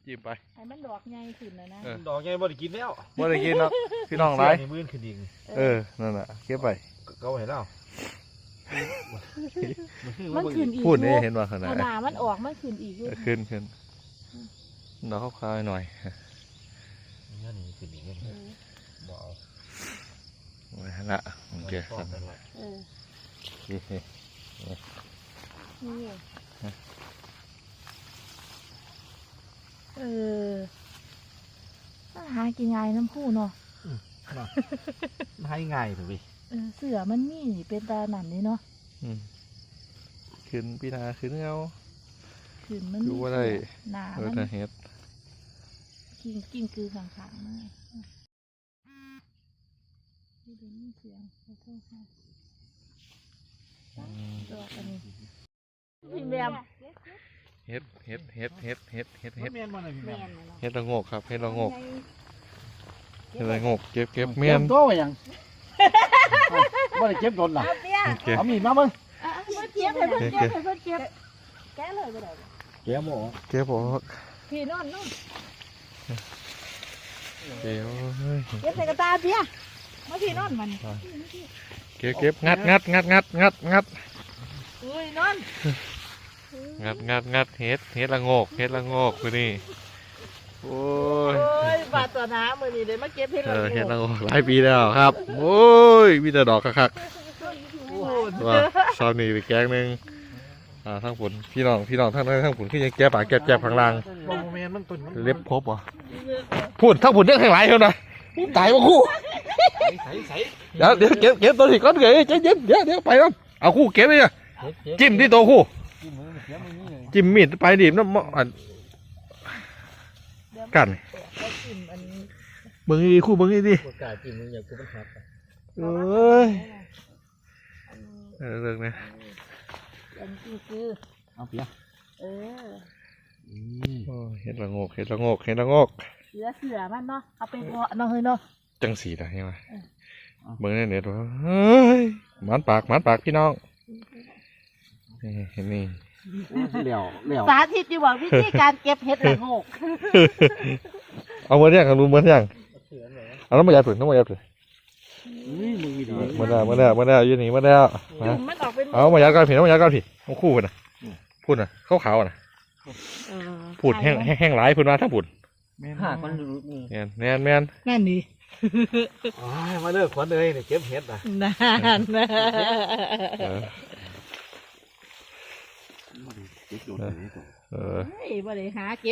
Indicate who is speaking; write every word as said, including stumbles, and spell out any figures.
Speaker 1: จิ้มไป
Speaker 2: ให้มันดอกใหญ่ขึ้นนะนะ
Speaker 3: ดอกใหญ่บ่ได้กินแล้ว
Speaker 1: บ่ได้กินหรอกพี่น้องไร
Speaker 3: มื้อขึ้นอีก
Speaker 1: เออนั่นน่ะเก็บไป
Speaker 3: เขาเห็นแล้ว
Speaker 2: มันขึ้นอีก
Speaker 1: พูดนี่เห็นว่าขนาด
Speaker 2: หนามันออกมันขึ้นอีก
Speaker 1: ขึ้นขึ้นเราเข้าคายหน่อย
Speaker 3: นี่นี่ขึ้นอีกบ่เอา
Speaker 1: ไว้ละโอเคสั่น
Speaker 2: เออ
Speaker 1: นี่
Speaker 2: นี่เออหากินง่ายน้ำผู้เนาะ
Speaker 3: ให้ง่ายถูกไหม
Speaker 2: เออเสือมันนี่เป็นตาหนันนี่เนาะ
Speaker 1: ขึ้นพี่นาขึ้นเงา
Speaker 2: ขึ้นมัน
Speaker 1: ดูว่าได้
Speaker 2: หนา
Speaker 1: มันเฮ็ด
Speaker 2: กิ้งกิ้งคือขางๆมากนี่เป็นเสียงขอโทษค่ะดอกอันนี้พี่แมม
Speaker 1: เฮ็ดเฮ็ดเฮ็ดเฮ็ดเฮ็ดเฮ็ดเฮ็ดเฮ็ดละโงกครับเฮ็ดละโงกเฮ็ดละโงกเก็บเก็บเมียน
Speaker 3: โตไปยังบ่ได้เก็บโดนล่ะเอามีดมาเบิ่ง
Speaker 2: เก็บให้เพิ่นเก็บให้เพิ่นเก็บแกะเลยบ่ได้
Speaker 3: เก็บบ่
Speaker 1: เก็บบ่
Speaker 2: พี่นอนนอน
Speaker 1: เก็บ
Speaker 2: เก็บใส่กระตาเพียมาพี่นอนมัน
Speaker 1: เก็บเก็บงัดงัดงัดงัดงัดงัด
Speaker 2: อุ้ยนอน
Speaker 1: งัดงัดงัดเฮ็ดเฮ็ดละโงกเฮ็ดละโงกคือนี่โอ้ย
Speaker 2: โอ้ยบาดตัวน้ำมือนี่เดี๋ยวมาเก็บเฮ็ดละโงก
Speaker 1: เฮ็ดละโงกหลายปีแล้วครับโอ้ยมีแต่ดอกคักๆว่าซาวนี่ไปแกงนึงอ่าทั้งผลพี่น้องพี่น้องทั้งนั้นทั้งผลคือยังแก้ปากแก้แก้ข้างล่างเล็บครบวะพูดทั้งผลเรื่องข้างหลังเท่านั้นตายมาคู่เดี๋ยวเดี๋ยวเก็บเก็บตัวที่ก้อนเกยเย็นเดี๋ยวเดี๋ยวไปแล้วเอาคู่เก็บเลยจิ้มที่ตัวคู่จิ้มมีดไปดิบน้ำมันกันเบิ้งดีคู่เบิ้งดีเอ้ยเรื่องนี้
Speaker 3: เอาเปีย
Speaker 2: เอ
Speaker 1: อเห็ดละโงกเห็ดละโงกเห็ดละโงก
Speaker 2: เสือเสือมันเนาะเอาไปเพาะเนาะเฮ้ยเนาะ
Speaker 1: จังสีได้ยังไงเบิ้งในเน็ตว่าเฮ้ยมันปากมันปากพี่น้องเห็นนี่
Speaker 3: เหลี่ยวเหลี่ยว
Speaker 2: สาธิตอยู่ว่าวิธีการเก็บเห็ดละโงก
Speaker 1: เอาเมื่อยังรู้เมื่อยังเอาน้ำมันยาผืนน้ำมันยาผืนมาแล้วมาแล้วมาแล้วยืนหนีมาแล้วเอามายาการผีน้ำมันยาการผีต้องคู่กันนะพูดนะขาวขาวนะพูดแห้งแห้งหลายพูดมาถ้าพูด
Speaker 3: ห้าคนรู้
Speaker 1: แมนแมนแมน
Speaker 2: แม่นนี่
Speaker 3: มาเลิกขวัญเลยเนี่ยเก็บเห็ดนะ
Speaker 2: นานนะ
Speaker 3: เก็บโดนเลย
Speaker 1: เออ
Speaker 2: บ่ได้หาเก็บ